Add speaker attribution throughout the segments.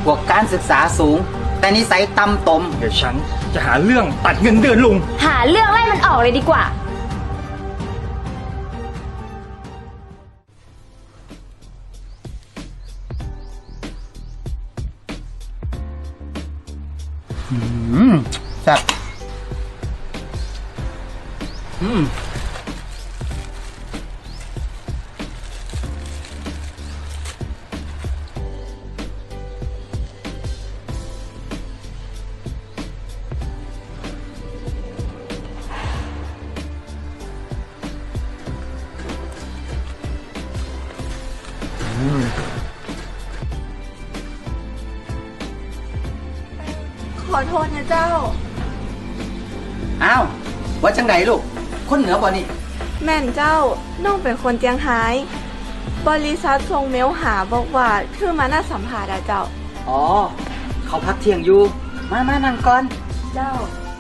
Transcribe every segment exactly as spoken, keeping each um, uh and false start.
Speaker 1: พวกการศึกษาสูง แต่นิสัยต่ำตม
Speaker 2: เดี๋ยวฉันจะหาเรื่องตัดเงินเดือนลุง
Speaker 3: หาเรื่องไล่มันออกเลยดีกว่า
Speaker 1: อืมแซ่บอืม
Speaker 4: ขอโทษนะเจ้า
Speaker 1: อ้าวว่าจังไดลูกคนเหนือบ่นี่
Speaker 4: แม่นเจ้าน้องเป็นคนเจียงไฮ้บริษัทส่งเมลหาบอกว่าคือมาน่าสัมภาษณ์อะเจ้า
Speaker 1: อ๋อเขาพักเที่ยงอยู่มามานั่งก่อน
Speaker 4: เจ้า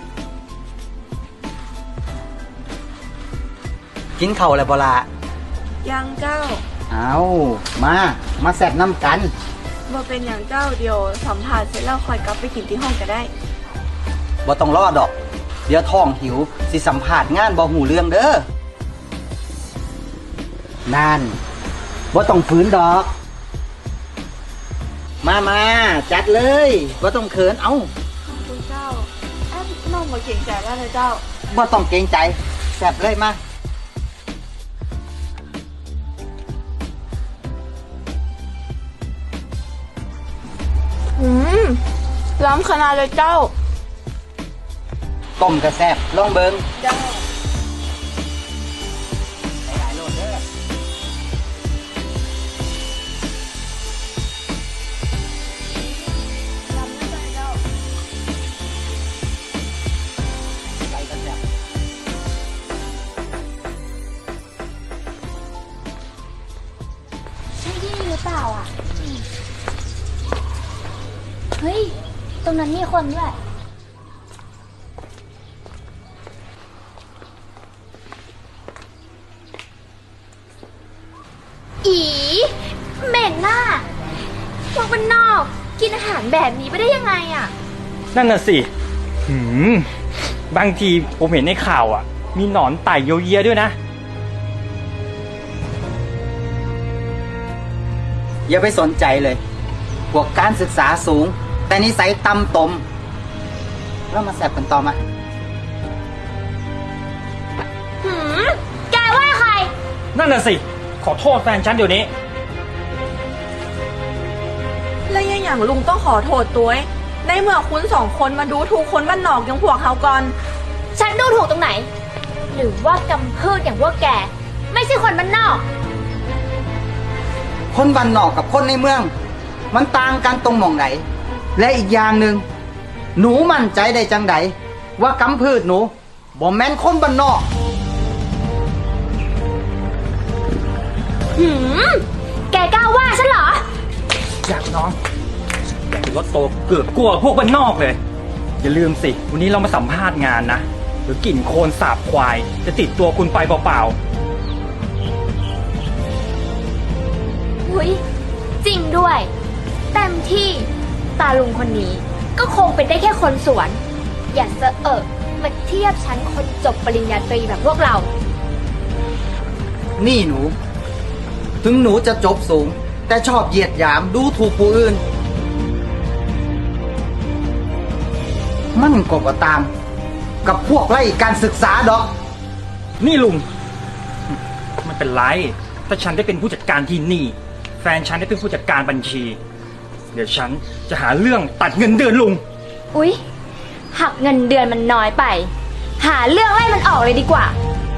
Speaker 1: กินข้าวแล้วบ่ล่ะ
Speaker 4: ยังเจ้า
Speaker 1: เอามามาแซ่บน้ำกัน
Speaker 4: บ่เป็นอย่างเจ้าเดียวสัมภาษณ์เสร็จแล้วคอยกลับไปกินที่ห้องก็ได้
Speaker 1: บ่ต้องรอดอก เดี๋ยวท้องหิวสิสัมภาษณ์งานบ่หูเรื่องเด้อนั่นบ่ต้องฝืนดอก มามาจัดเลยบ่ต้องเขินเอ้า
Speaker 4: ขอบคุณเจ้าแอบน้องบ่เก่งใจว่าเลยเจ้า
Speaker 1: บ่ต้องเกรงใจแซ่บเลยมา
Speaker 4: อืมล้ำขนาดเลยเจ้า
Speaker 1: ต้มกระแซ่บลองเบิง
Speaker 4: เจ้า
Speaker 1: หลายๆโลดเด้อใส่กระแซ่บ
Speaker 3: ใช่ที่นี่หรือเปล่าอ่ะเฮ้ยตรงนั้นมีคนด้วยอีเหม็นน่ะพวกมันนอกกินอาหารแบบนี้ไปได้ยังไงอ่ะ
Speaker 2: นั่นน่ะสิหืมบางทีผมเห็นในข่าวอ่ะ มีหนอนไต่เยียวเยียด้วยนะ
Speaker 1: อย่าไปสนใจเลย พวกการศึกษาสูง แต่นิสัยต่ำตมเรามาแสบกันต่อมา
Speaker 3: หืมแกว่าใคร
Speaker 2: นั่นน่ะสิขอโทษแฟนฉันเดี๋ยวนี้
Speaker 4: แล้วยังอย่างลุงต้องขอโทษตัวเองในเมื่อคุณสองคนมาดูถูกคนบ้านนอกอย่างพวกเขาก่อน
Speaker 3: ฉันดูถูกตรงไหน หรือว่ากำพืชอย่างพวกแก ไม่ใช่คนบ้านนอก
Speaker 1: คนบ้านนอกกับคนในเมือง มันต่างกันตรงหม่องไหน และอีกอย่างหนึ่งหนูมั่นใจได้จังไดว่ากำพืชหนูบ่แม่นคนบ้านนอก
Speaker 3: หืม แกกล้าว่าฉันเหรอ
Speaker 2: อยากน้องอยากเป็นรถโตเกือบกลัวพวกบ้านนอกเลย อย่าลืมสิ วันนี้เรามาสัมภาษณ์งานนะหรือกลิ่นโคลนสาบควาย จะติดตัวคุณไปเปล่า
Speaker 3: หุยจริงด้วยเต็มที่ตาลุงคนนี้ก็คงเป็นได้แค่คนสวน อย่าเสอะเอะมาเทียบฉันคนจบปริญญาตรีแบบพวกเรา
Speaker 1: นี่หนู ถึงหนูจะจบสูง แต่ชอบเหยียดหยามดูถูกผู้อื่น มันก็บ่ตาม กับพวกไล่การศึกษาดอก
Speaker 2: ๆ นี่ลุงไม่เป็นไร ถ้าฉันได้เป็นผู้จัดการที่นี่ แฟนฉันได้เป็นผู้จัดการบัญชี เดี๋ยวฉันจะหาเรื่องตัดเงินเดือนลุง
Speaker 3: อุ๊ย หักเงินเดือนมันน้อยไป หาเรื่องไล่มันออกเลยดีกว่า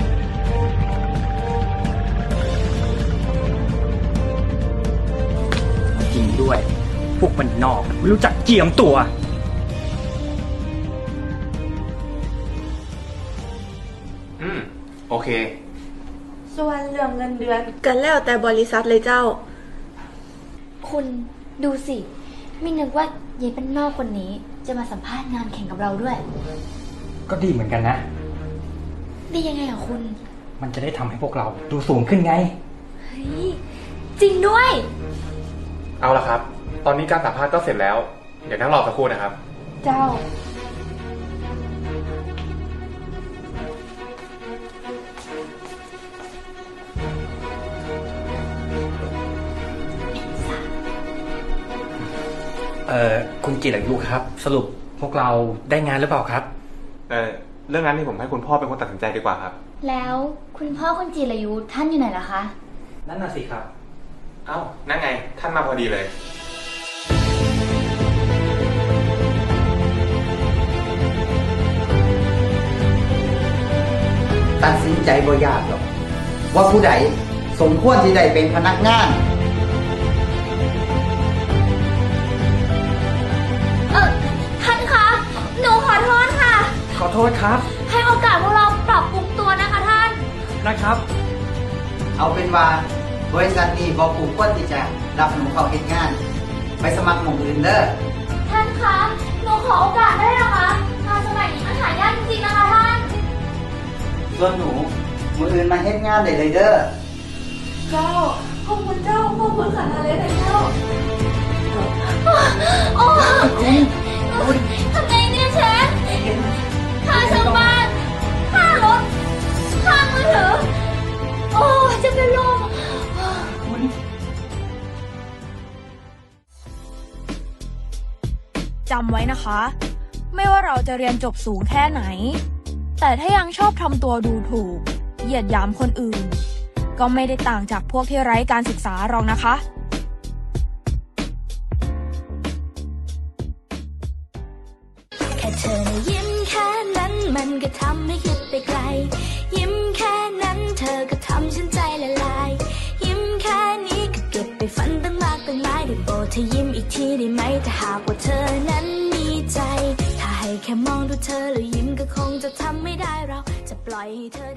Speaker 2: จริงด้วย พวกมันนอกไม่รู้จักเจียมตัว
Speaker 5: อืม โอเค
Speaker 4: ส่วนเรื่องเงินเดือนกันแล้วแต่บริษัทเลยเจ้า
Speaker 3: คุณดูสิ ไม่นึกว่ายายเป็นนอกคนนี้จะมาสัมภาษณ์งานแข่งกับเราด้วย
Speaker 2: ก็ดีเหมือนกันนะ
Speaker 3: ได้ยังไงอ่ะคุณ
Speaker 2: มันจะได้ทำให้พวกเราดูสูงขึ้นไง
Speaker 3: เฮ้ย จริงด้วย
Speaker 5: เอาละครับ ตตอนนี้การสัมภาษณ์ก็เสร็จแล้ว เดี๋ยวนั่งรอสักครู่นะครับ
Speaker 4: เจ้า
Speaker 2: เอ่อคุณจิรายุครับ สรุปพวกเราได้งานหรือเปล่าครับ
Speaker 5: เออเรื่องนั้นที่ผมให้คุณพ่อเป็นคนตัดสินใจดีกว่าครับ
Speaker 3: แล้วคุณพ่อคุณจิรายุท่านอยู่ไหนล่ะคะ
Speaker 2: นั่นน่ะสิครับ
Speaker 5: เอ้า นั่นไง ท่านมาพอดีเลย
Speaker 1: ตัดสินใจบ่ยากหรอก ว่าผู้ใดสมควรที่ได้เป็นพนักงาน
Speaker 3: เออท่านคะ หนูขอโทษค่ะ
Speaker 2: ขอโทษครับ
Speaker 3: ให้โอกาสพวกเราปรับปรุงตัวนะคะท่าน
Speaker 2: นะครับ
Speaker 1: เอาเป็นว่าบริษัทนี้บอกผูกควรที่จะรับหนูเข้าเฮ็ดงาน ไปสมัครหม่องอื่นเด้อ
Speaker 3: ท่านคะ หนูขอโอกาสได้เหรอคะงานสมัยนี้มันหายากจริงๆนะคะท่าน
Speaker 1: ส่วนหนูมืออื่นมาเฮ็ดงานได้เลยเด้อ
Speaker 4: เจ้า ขอบคุณเจ้า ขอบคุณขนาดเลยนะเจ้า
Speaker 3: โอ้ทำไงเนี่ยเชฟค่าเช่าบ้านค่ารถค่ามือถือ โอ้จะเป็นลม
Speaker 6: จำไว้นะคะ ไม่ว่าเราจะเรียนจบสูงแค่ไหน แต่ถ้ายังชอบทำตัวดูถูก เหยียดหยามคนอื่น ก็ไม่ได้ต่างจากพวกที่ไร้การศึกษาหรอกนะคะ
Speaker 7: แค่เธอนะยิ้มแค่นั้นมันก็ทำให้คิดไปไกล ยิ้มแค่นั้นเธอก็ทำฉันใจละลาย ยิ้มแค่นี้ก็เก็บไปฝันตั้งมากตั้งหลายได้โปรดเธอยิ้มอีกทีได้ไหมถ้าหากว่าเธอนั้นมีใจ ถ้าให้แค่มองดูเธอแล้วยิ้มก็คงจะทำไม่ได้เราจะปล่อยให้เธอ